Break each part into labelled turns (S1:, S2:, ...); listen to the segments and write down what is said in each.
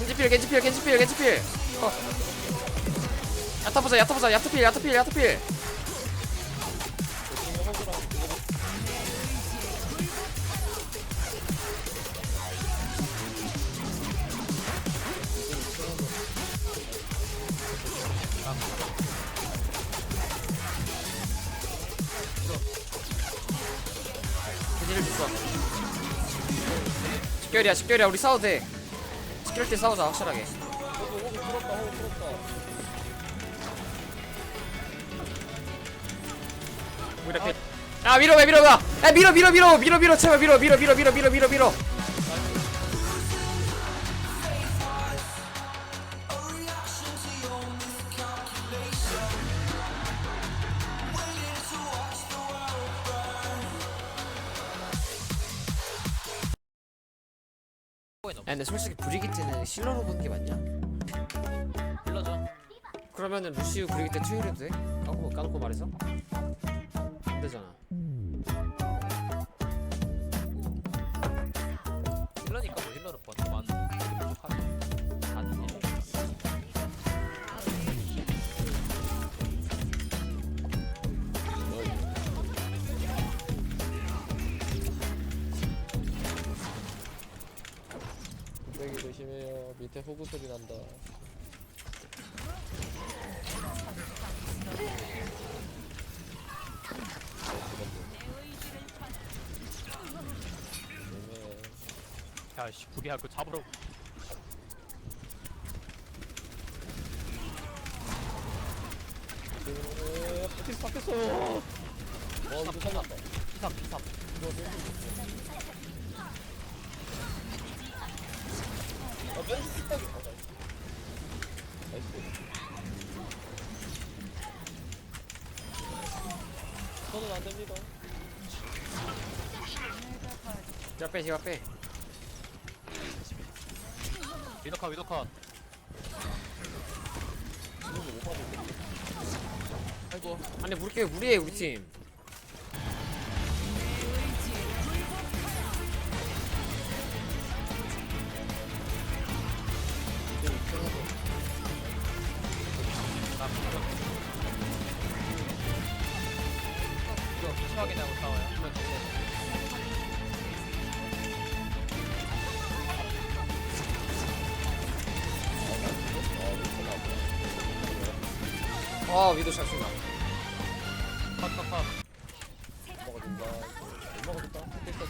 S1: 겐지필. 야타보자. 야타필. 겐지를 줬어. 식결이야. 우리 싸워도 돼. 식결 때 싸우자 확실하게.
S2: 호구 풀었다.
S1: 이렇게. 아 밀어봐. 야 밀어. 제발 밀어. 야 근데 솔직히 브리기트는 실러로 보는 게 맞냐?
S3: 불러줘.
S1: 그러면은 루시우 브리기트 투일해도 돼? 까놓고 말해서? 안 되잖아.
S3: 힐러니까 뭐 힐러를 번만 부족하네. 다른 힐러.
S2: 뚝배기 조심해요. 밑에 호구 소리 난다.
S3: 야씨 구리야 그거 잡으러.
S2: 피스 바뀌었어. 와 이거 살렸다.
S3: 피삼.
S2: 벤치 피딱이. 나이스. 저는 안 됩니다.
S1: 시각 빼.
S3: 위도컷. 아이고.
S1: 아니 무리해 우리 팀.
S3: 이거 심하게 나고 싸워요.
S1: 위도 잘 쏜다.
S3: 컷.
S2: 먹어준다. 못 먹어줬다.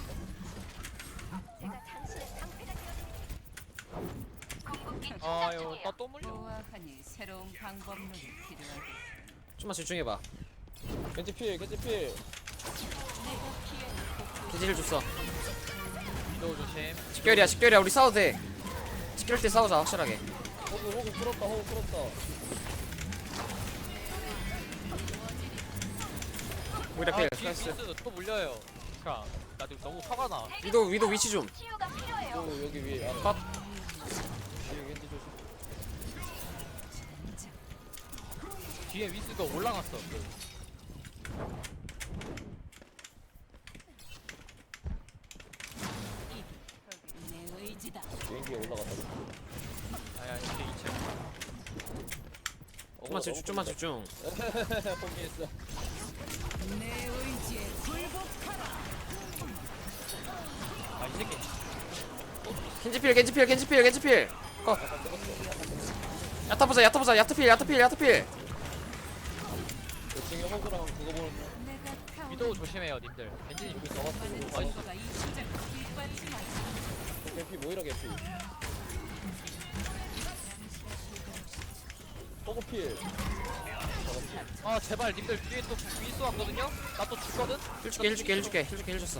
S3: 아유 나또 물려.
S4: 좋아하니 새로운 방법론이 필요하겠어.
S1: 좀만 집중해봐.
S2: 겐지 필.
S1: 겐지를 줬어.
S3: 위도 조심.
S1: 식결이야. 우리 싸워도 돼. 식결 때 싸우자 확실하게.
S2: 호구 풀었다.
S1: 우리다
S3: 아
S1: 필.
S3: 뒤에
S1: 나이스.
S3: 윈스 또 물려요. 그니까 나 지금 너무 화가 나.
S1: 위도 위치 좀.
S2: 또 여기 위에.
S1: 컷.
S2: 뒤에 겐지 조심.
S3: 뒤에 윈스가 올라갔어.
S4: 내 의지다.
S2: 비행기에 올라갔다.
S3: 아야 이제 2층.
S1: 좀만 집중.
S2: 포기했어.
S4: 내 의지에 굴복하라.
S3: 아이 새끼.
S1: 겐지필. 컷. 야타보자. 야타필.
S2: 2층에 호구랑 그거 보는
S4: 내가 타오르는
S3: 위도 조심해요 님들. 엔진이
S2: 여기 나왔어.
S4: 너가 이 시작을 뒷받지 마.
S2: 개피 모이라 개피. 호구 필.
S3: 아 제발 님들 뒤에 또 윈스 왔거든요? 나 또 죽거든?
S1: 힐 줬어.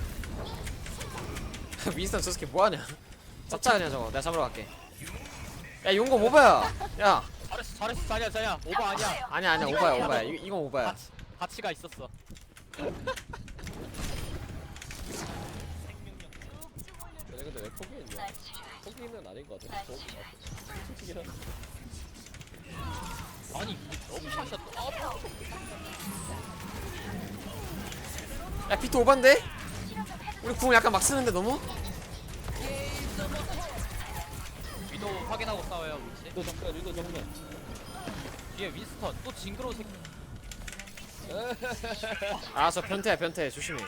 S1: 윈스턴 저 새끼 뭐하냐? 잡자 그냥 저거. 내가 잡으러 갈게. 야 용거 오바야. 야
S3: 잘했어 자냐 오버 아니야.
S1: 아니야 오바야. 이건 오바야.
S3: 가치가 있었어.
S2: 근데 왜 포기했냐? 포기는 아닌 것 같아. 솔직히
S3: 아니 너무 샷이야 또.
S1: 야 비트 오반데? 우리 궁 약간 막 쓰는데 너무?
S3: 위도 확인하고 싸워요 위치.
S2: 유도 정면 유도 정면.
S3: 뒤에 윈스턴 또 징그러운 새끼.
S1: 아 저 변태야 변태 조심해.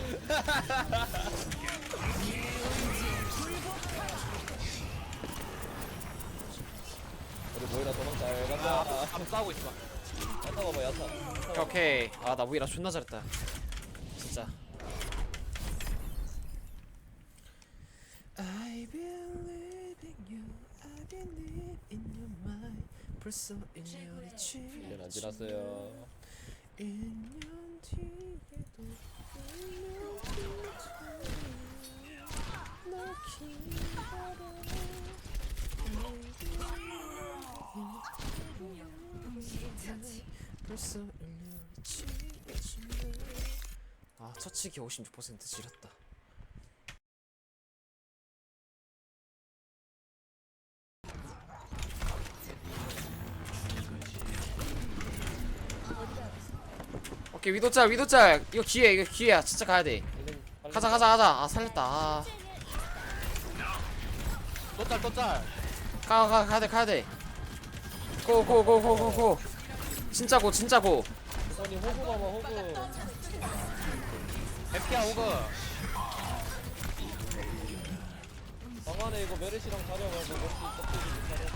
S2: 우리 모이라 도망 잘 간다.
S3: 한번 싸우고 있어.
S2: 야타 봐봐 야타.
S1: 오케이. 아 나 무이라 존나 잘했다. 진짜. I believe in you. I believe in your mind. 벌써 1년이
S2: 1년 안 지났어요.
S1: 1년 뒤에도 1년 뒤에 너 기다려. 벌써 1년이 지났네. 아 처치기 56% 지렸다. 오케이 위도짤 위도짤 이거 기회 이거 기회야 진짜 가야돼. 가자 가자 가자. 아 살렸다. 아.
S3: 또짤.
S1: 가야돼 가야돼. 고고고고고고. 진짜 고 진짜 고.
S2: 아니 호구 봐봐 호구.
S3: 대피야 오그.
S2: 방 안에 이거 메르시랑 자려가지고 메르시 껍데기 자려.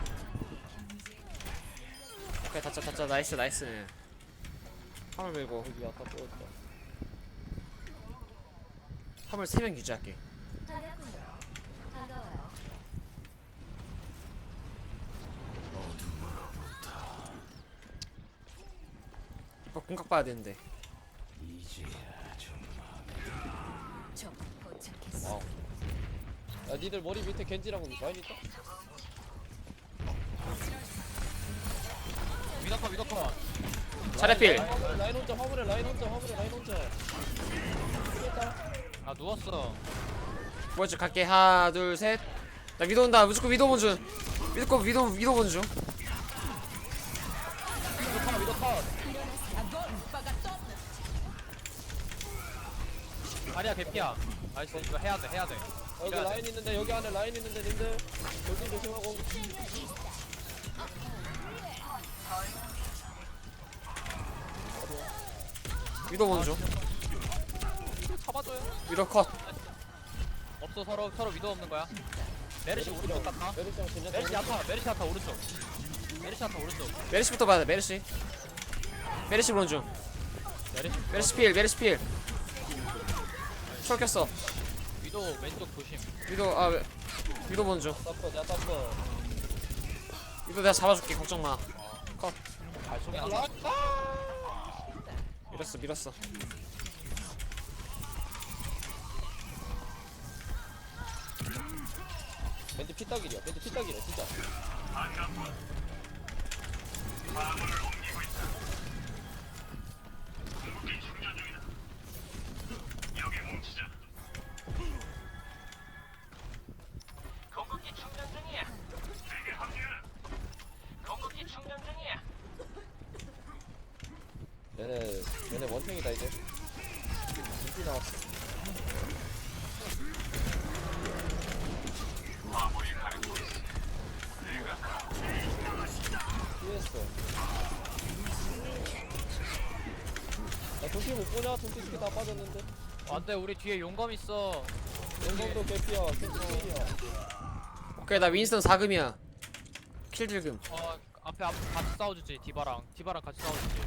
S1: 오케이 다짜 나이스 나이스. 화물 밀고
S2: 여기 아까 보였다.
S1: 화물 3명 유지할게. 이거 공각 봐야 되는데.
S4: 적 도착했어.
S2: 야 니들 머리 밑에 겐지랑 라인 있다?
S3: 위더커.
S1: 차례필.
S2: 라인 혼자 화물에 라인 혼자.
S3: 아 누웠어.
S1: 뭐지 갈게. 하나 둘 셋. 나 위도 온다. 무조건 위도 본준. 위도 본준.
S3: 위더커. 아니야 개피야. 나이스 이거 해야 돼.
S2: 여기 라인 있는데 여기 안에 라인 있는데 님들 여기 조심하고.
S1: 위도 본준.
S3: 잡아줘요.
S1: 위도 컷.
S3: 없어 서로 위도 없는 거야. 메르시 오른쪽 갔다.
S2: 메르시랑 젠냐
S3: 메르시 야타 오른쪽. 메르시 야타 오른쪽.
S1: 메르시부터 봐야 돼. 메르시 본준. 메르시 필. 철켰어.
S3: 위도 왼쪽 조심.
S1: 위도 본준.
S2: 야타퍼
S1: 위도 내가 잡아줄게. 걱정 마. 컷.
S3: 발송이 하나.
S1: 밀었어.
S2: 벤트 피딱이야 진짜. 얘네 원탱이다 이제. 인기 나왔어. 피했어. 야 도끼 못 보냐? 도끼 스킬 다 빠졌는데.
S3: 안돼 우리 뒤에 용검 있어.
S2: 영광도 개피야. 캔슬이야.
S1: 오케이 나 윈스턴 4금이야. 킬 딜금.
S3: 앞에 같이 싸워주지. 디바랑 같이 싸워주지.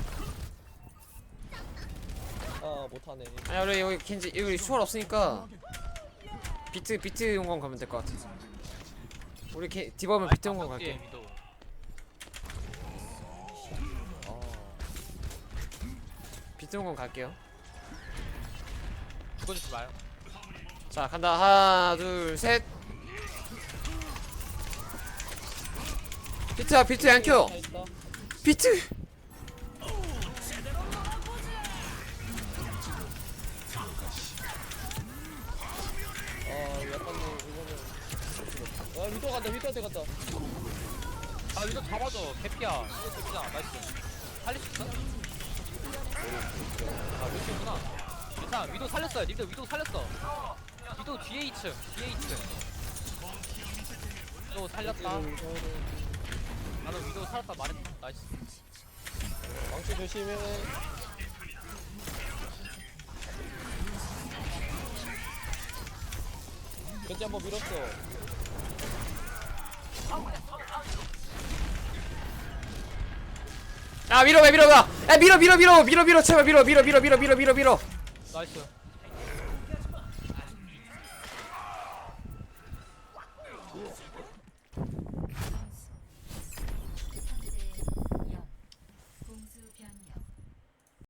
S2: 아 못하네.
S1: 아니 우리 여기 겐지 여기 수월 없으니까 비트 용광 가면 될 것 같아. 우리 디바면 비트 용광 갈게.
S3: 위도.
S1: 비트 용광 갈게요.
S3: 죽어주지 마요.
S1: 자 간다. 하나 둘 셋. 비트 안 켜.
S2: 다 있다.
S1: 비트.
S2: 약간 이거는. 야 위도한테 간다.
S3: 아 위도 잡아줘. 개피야. 개피잖아. 나이스. 살릴 수 있어? 아 위도구나. 괜찮아. 위도 살렸어요. 님들 위도 살렸어. 위도 뒤에 2층. 위도 살렸다. 나는 위도 살았다 말했다. 나이스.
S2: 망치 조심해. 겐지 한번 밀었어.
S1: 아 밀어봐 밀어봐. 야 밀어 제발 밀어 밀어.
S3: 나이스.